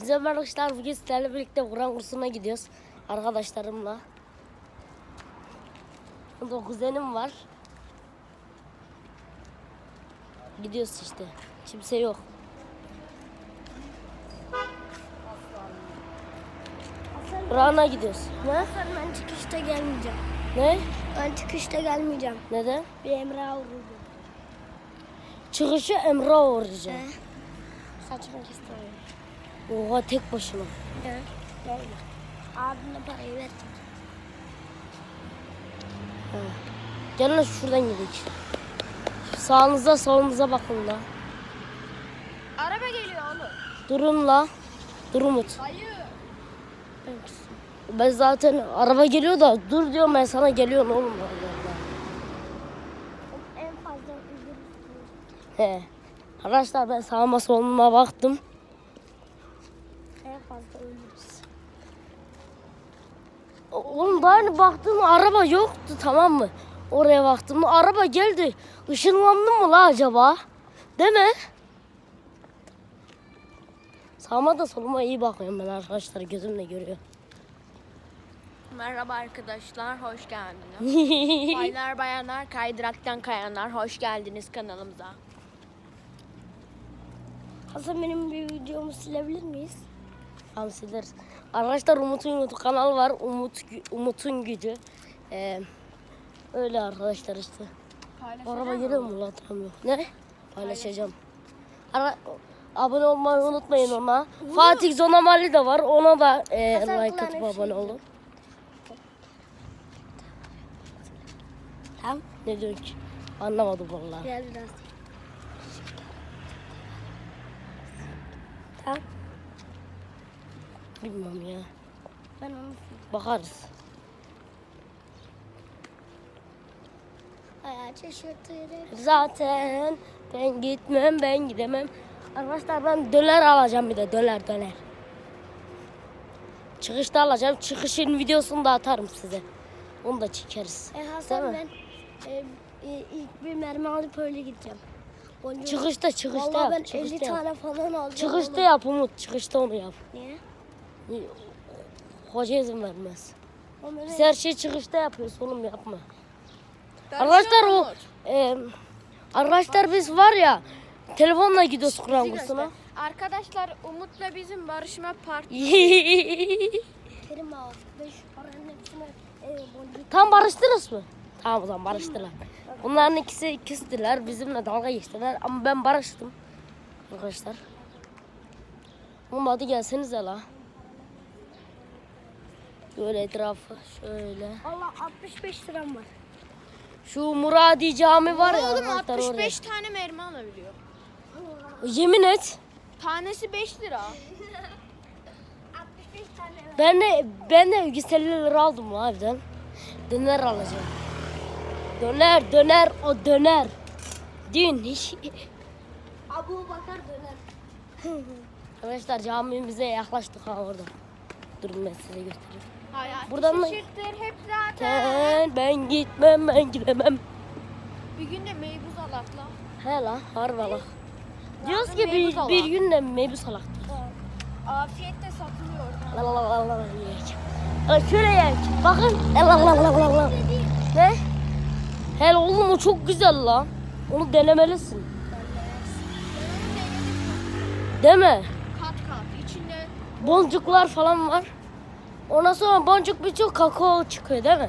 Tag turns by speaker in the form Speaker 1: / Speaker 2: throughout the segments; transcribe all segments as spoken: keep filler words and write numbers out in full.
Speaker 1: Merhaba arkadaşlar, bugün sizlerle birlikte Kur'an kursuna gidiyoruz arkadaşlarımla. Burada kuzenim var. Gidiyoruz işte. Kimse yok. Kur'an'a gidiyoruz. Ne?
Speaker 2: Ben çıkışta gelmeyeceğim.
Speaker 1: Ne?
Speaker 2: Ben çıkışta gelmeyeceğim.
Speaker 1: Neden?
Speaker 2: Bir Emrah'a vurdu.
Speaker 1: Çıkışı Emre uğrayacağım.
Speaker 2: He. Saçma kestiriyorum.
Speaker 1: Oha, tek başına.
Speaker 2: Evet. Gelme. Abimle parayı verdim.
Speaker 1: He. Gelin lan şuradan gidelim. Sağınıza solunuza bakın la.
Speaker 2: Araba geliyor oğlum.
Speaker 1: Durun la. Dur Umut.
Speaker 2: Hayır.
Speaker 1: Ben zaten araba geliyor da dur diyorum, ben sana geliyorum oğlum. Allah.
Speaker 2: En fazla üzülürüm.
Speaker 1: He. Arkadaşlar ben sağıma soluma baktım.
Speaker 2: En fazla ölürüz.
Speaker 1: Oğlum daha yeni baktım, araba yoktu, tamam mı? Oraya baktım, araba geldi. Işınlandım mı la acaba? Değil mi? Sağıma da soluma iyi bakıyorum ben arkadaşlar, gözümle görüyor.
Speaker 3: Merhaba arkadaşlar, hoş geldiniz. Baylar bayanlar, kaydıraktan kayanlar, hoş geldiniz kanalımıza.
Speaker 2: Hasan, benim bir videomu silebilir miyiz?
Speaker 1: Tamam, sileriz. Arkadaşlar Umut'un YouTube kanalı var. Umut Umut'un gücü. Ee, öyle arkadaşlar işte. Araba geliyor mu lan? Tamam, yok. Ne? Paylaşacağım. Ara, abone olmayı unutmayın ona. Fatih Zonamali de var. Ona da e,
Speaker 2: Hasan
Speaker 1: like
Speaker 2: kulağına
Speaker 1: atıp
Speaker 2: bir
Speaker 1: abone
Speaker 2: şey
Speaker 1: olun.
Speaker 2: Tamam.
Speaker 1: Ne diyorsun ki? Anlamadım vallahi.
Speaker 2: Gel biraz. Tamam.
Speaker 1: Bilmem ya.
Speaker 2: Ben onu
Speaker 1: Bakarız.
Speaker 2: ayağı şaşırtırım.
Speaker 1: Zaten ben gitmem, ben gidemem. Arkadaşlar ben döner alacağım, bir de döner döner. Çıkışta alacağım. Çıkışın videosunu da atarım size. Onu da çekeriz.
Speaker 2: E Hasan,
Speaker 1: Değil mi?
Speaker 2: ben e, e, ilk bir mermi alıp öyle gideceğim. Boncuk.
Speaker 1: Çıkışta çıkışta
Speaker 2: Vallahi
Speaker 1: yap.
Speaker 2: ben
Speaker 1: çıkışta
Speaker 2: elli
Speaker 1: yap.
Speaker 2: tane falan alacağım.
Speaker 1: Çıkışta
Speaker 2: oğlum.
Speaker 1: yap Umut. Çıkışta onu yap.
Speaker 2: Niye?
Speaker 1: Hoca izin vermez.
Speaker 2: Oğlum öyle-
Speaker 1: Biz her şeyi çıkışta yapıyoruz oğlum, yapma. Arkadaşlar o e, arkadaşlar biz var ya, telefonla gidiyoruz Kur'an kursuna.
Speaker 3: Arkadaşlar Umut'la bizim barışma parti.
Speaker 2: Kerim ağa, beş paranın hepsine e, boncuk.
Speaker 1: Tam barıştınız mı? Tamam, o zaman barıştılar. Bunların ikisi ikisidiler. Bizimle dalga geçtiler ama ben barıştım. Arkadaşlar. Oğlum hadi gelsenize la. Böyle etrafı şöyle.
Speaker 2: Allah, altmış beş liram var.
Speaker 1: Şu Muradi Cami var ya
Speaker 3: Oğlum
Speaker 1: arkadaşlar,
Speaker 3: altmış
Speaker 1: oraya.
Speaker 3: beş tane mermi alabiliyor.
Speaker 1: Yemin et.
Speaker 3: Tanesi beş lira.
Speaker 2: altmış beş tane var.
Speaker 1: Ben de ben de yüz elli lira aldım la evden. Döner alacağım. Döner döner o döner. Dün
Speaker 2: Abu Bakar döner.
Speaker 1: arkadaşlar camimize yaklaştık ha orada. Durun ben size göstereyim.
Speaker 3: Hayat
Speaker 1: Buradan mı-
Speaker 3: şaşırtır hep zaten.
Speaker 1: Ben, ben gitmem, ben gidemem.
Speaker 3: Bir gün de meybuz alakla.
Speaker 1: He la, harbi la. Diyoruz ki
Speaker 3: meybuz
Speaker 1: bir,
Speaker 3: ala.
Speaker 1: bir gün de meybuz alak.
Speaker 3: Afiyette satılıyor.
Speaker 1: La la la la la la yiyek. La şöyle yiyek. Bakın. La la la la la la. Ne? Hele oğlum o çok güzel la. Onu denemelisin. Değil mi?
Speaker 3: Kat kat içinde
Speaker 1: Boncuklar falan var. Ondan sonra boncuk birçok kakao çıkıyor değil mi?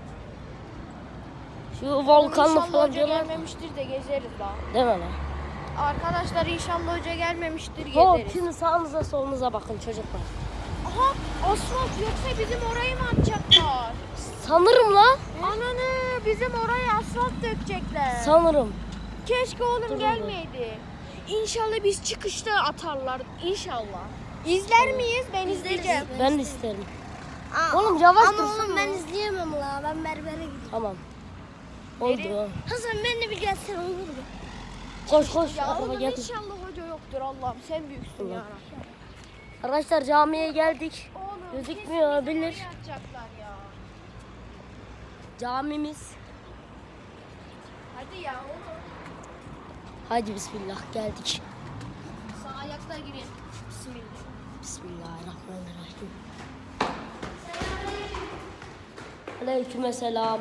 Speaker 1: Şu volkanlı
Speaker 3: İnşallah
Speaker 1: falan
Speaker 3: hoca
Speaker 1: diyorlar.
Speaker 3: gelmemiştir de gezeriz daha.
Speaker 1: Değil mi la?
Speaker 3: Arkadaşlar inşallah hoca gelmemiştir
Speaker 1: Hop,
Speaker 3: gezeriz.
Speaker 1: şimdi sağınıza solunuza bakın çocuklar.
Speaker 3: Aha asfalt yoksa bizim orayı mı atacaklar?
Speaker 1: Sanırım la.
Speaker 3: Ananı bizim oraya asfalt dökecekler.
Speaker 1: Sanırım.
Speaker 3: Keşke oğlum
Speaker 1: Dur, dur,
Speaker 3: gelmeydi. İnşallah biz çıkışta atarlar. İnşallah. İzler miyiz? Ben izleyeceğim.
Speaker 1: Ben de isterim.
Speaker 2: Aa,
Speaker 1: Oğlum yavaş
Speaker 2: ama
Speaker 1: dursana.
Speaker 2: oğlum ben izleyemem la. Ben berbere gidiyorum.
Speaker 1: Tamam. Oldu.
Speaker 2: Hasan, ben de bir gelsen olur mu?
Speaker 1: Koş koş.
Speaker 3: Ya
Speaker 1: Araba
Speaker 3: oğlum
Speaker 1: geldi.
Speaker 3: inşallah hoca yoktur Allah'ım. Sen büyüksün
Speaker 1: Allah.
Speaker 3: ya.
Speaker 1: Arkadaşlar camiye geldik.
Speaker 3: Oğlum
Speaker 1: Gözükmüyor
Speaker 3: kesin
Speaker 1: olabilir.
Speaker 3: bizi oraya atacaklar ya.
Speaker 1: Camimiz.
Speaker 3: Hadi ya oğlum.
Speaker 1: Hadi bismillah geldik.
Speaker 3: Sağ ayakla gireyim. Bismillah.
Speaker 1: Bismillahirrahmanirrahim. Aleykümselam.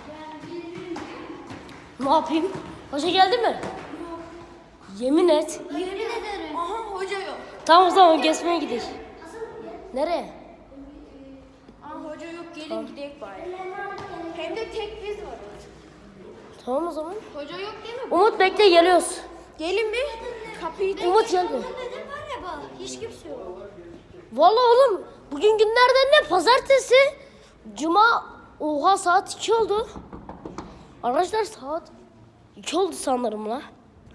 Speaker 1: Ne yapayım? Hoca geldi mi? Yemin et.
Speaker 2: Yemin ederim.
Speaker 3: Aha hoca yok.
Speaker 1: Tamam tamam gezmeye gidelim. Nereye?
Speaker 3: Aha hoca yok, gelin gidelim bari. Hem de tek biz varız.
Speaker 1: Tamam o zaman.
Speaker 3: Hoca yok değil mi?
Speaker 1: Umut bekle geliyoruz.
Speaker 3: Gelin bir kapıyı
Speaker 1: Umut geldi.
Speaker 2: Neden var ya bak. Hiç kimse yok.
Speaker 1: Vallahi oğlum bugün günlerden ne? Pazartesi. Cuma. Oha saat iki oldu. Arkadaşlar saat iki oldu sanırım la.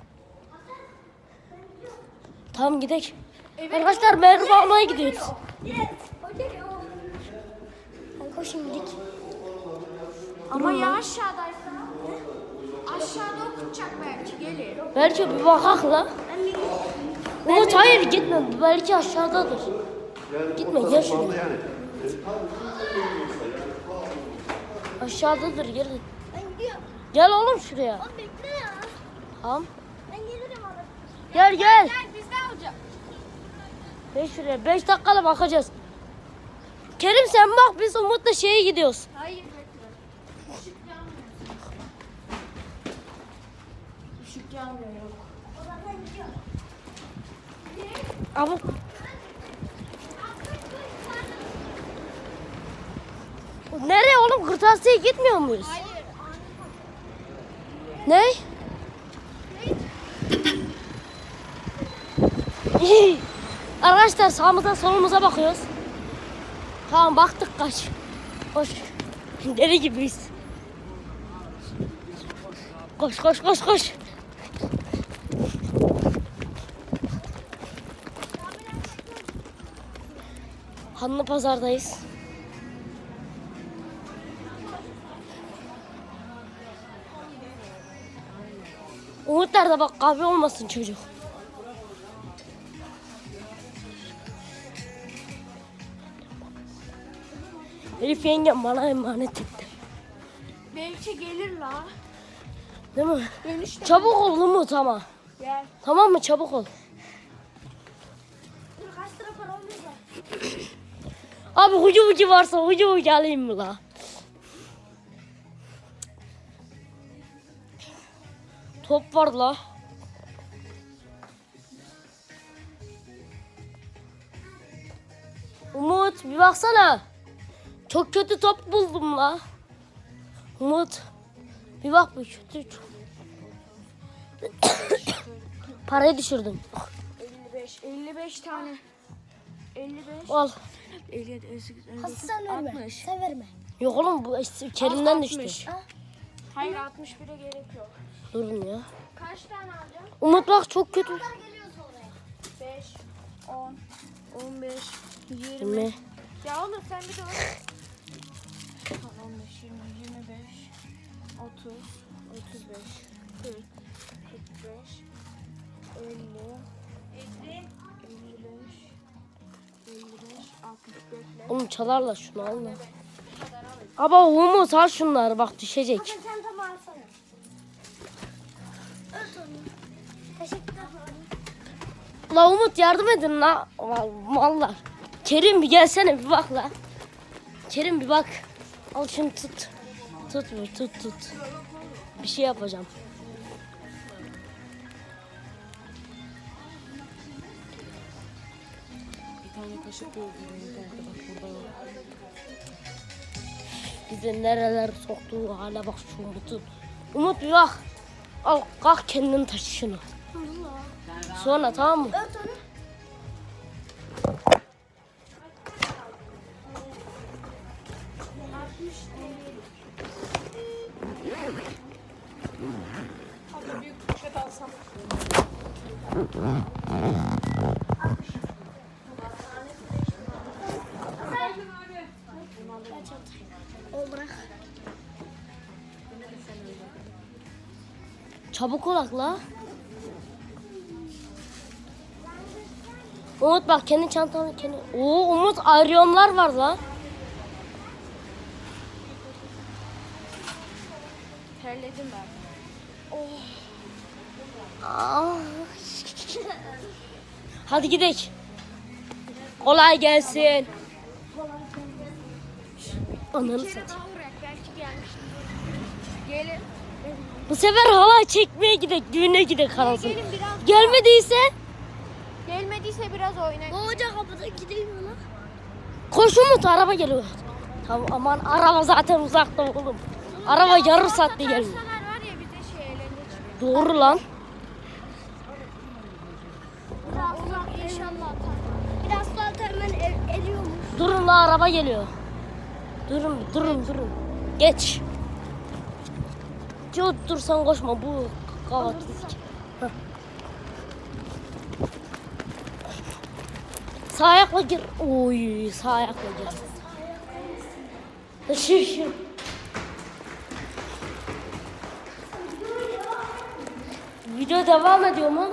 Speaker 1: Tamam gidelim. Arkadaşlar merhaba almaya gidiyoruz.
Speaker 2: Yes. Hoca yok. Hadi koşun gidelim.
Speaker 3: Ama ya aşağıdaysa? Aşağıda okutacak belki, gelin.
Speaker 1: Belki bir bakak la.
Speaker 2: Ben bir
Speaker 1: Umut hayır gitme. Belki aşağıdadır. Gitme gel şuraya. Aşağıdadır gel.
Speaker 2: ben gidiyorum.
Speaker 1: Gel oğlum şuraya.
Speaker 2: Oğlum bekle ya.
Speaker 1: Tamam.
Speaker 2: Ben gelirim abi.
Speaker 1: Gel gel.
Speaker 3: Gel bizde olacak.
Speaker 1: Beş şuraya. Beş dakikada bakacağız. Kerim sen bak biz Umut'la şeye gidiyoruz.
Speaker 3: Hayır bekle. Işık yanmıyor. Işık yanmıyor yok.
Speaker 2: O zaman ben gidiyorum.
Speaker 1: Ama nereye oğlum? Kırtasiye gitmiyor muyuz?
Speaker 3: Hayır.
Speaker 1: Ne? Arkadaşlar sağımıza solumuza bakıyoruz. Tamam baktık kaç. Koş. Deli gibiyiz. Koş koş koş koş. Hanlı pazardayız. Umut nerede bak kahve olmasın çocuk. Elif yengem bana emanet etti.
Speaker 3: Belki gelir la.
Speaker 1: Değil mi?
Speaker 3: Dönüşte.
Speaker 1: Çabuk ol Umut ama.
Speaker 3: Gel.
Speaker 1: Tamam mı? Çabuk ol.
Speaker 2: Dur kaç lira para oluyor da.
Speaker 1: Abi hucu hucu varsa hucu hucu alayım mı la? Top var la. Umut bir baksana. Çok kötü top buldum la. Umut bir bak bu kötü. Parayı düşürdüm.
Speaker 3: elli beş. elli beş tane. elli beş.
Speaker 1: Al.
Speaker 3: elli yedi, elli sekiz, elli
Speaker 2: Hadi
Speaker 3: dokuz,
Speaker 2: sen verme.
Speaker 3: altmış.
Speaker 2: Sen verme.
Speaker 1: Yok oğlum bu işte Kerim'den
Speaker 3: Al,
Speaker 1: düştü.
Speaker 3: altmış. Hayır altmış bire gerek yok.
Speaker 1: Durun ya.
Speaker 3: Kaç tane alacağım?
Speaker 1: Umut bak çok kötü.
Speaker 2: Geliyoruz oraya.
Speaker 3: beş, on, on beş, yirmi.
Speaker 1: Yirmi.
Speaker 3: Ya oğlum sen bir de bak. on beş, yirmi, yirmi beş, otuz, otuz beş, kırk, kırk beş, elli, elli beş, elli beş, altmış bekle.
Speaker 1: Oğlum çalarlar şunu alma. Ama Umut al şunları bak düşecek.
Speaker 2: Sen çantamı alsana. Ört onu. Teşekkürler.
Speaker 1: La Umut yardım edin la. Val- Mallar. Kerim bir gelsene bir bak la. Kerim bir bak. Al şunu tut. Tut bu tut tut. Bir şey yapacağım.
Speaker 4: Bir tane kaşık gördüm internette, bak burada yok.
Speaker 1: Bizi nereler soktuğu hala bak şu Umut'un. Umut bir bak. Al kalk kendin taşı şunu. Sonra tamam mı?
Speaker 2: Ört onu. O bırak.
Speaker 1: Çabuk olak la. Umut bak kendi çantanı kendi. Oo Umut aryonlar var la.
Speaker 3: Terledim ben.
Speaker 1: Aa. Hadi gidelim. Kolay gelsin. Ananı satayım.
Speaker 3: Daha uğrak belki gelmiştir. Gelin.
Speaker 1: Bu sefer halay çekmeye gidek, düğüne gidek anasını.
Speaker 3: Gelin biraz.
Speaker 1: Gelmediyse
Speaker 3: Gelmediyse biraz oynayın.
Speaker 2: O hoca kapıda gideyim mi lan?
Speaker 1: koş Umut, araba geliyor. Tamam, aman araba zaten uzakta oğlum. Araba yarım saatte gelmiyor.
Speaker 3: Takarsalar var ya bize şey eğlence çıkıyor.
Speaker 1: Doğru lan.
Speaker 3: Allah inşallah atar.
Speaker 2: Biraz sonra hemen er, eriyormuş.
Speaker 1: Durun la, araba geliyor. Durun, durun, durun. Geç. Dur, dur sen koşma, bu kavat. Heh. Sağ ayakla gir. Oy, sağ ayakla gir. Şu şu. Video devam ediyor mu?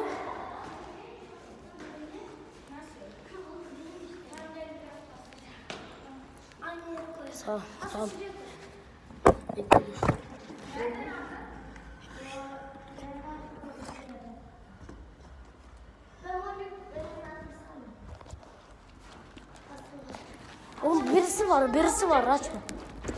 Speaker 1: Sağ, tamam. Oğlum birisi var, birisi var, açma.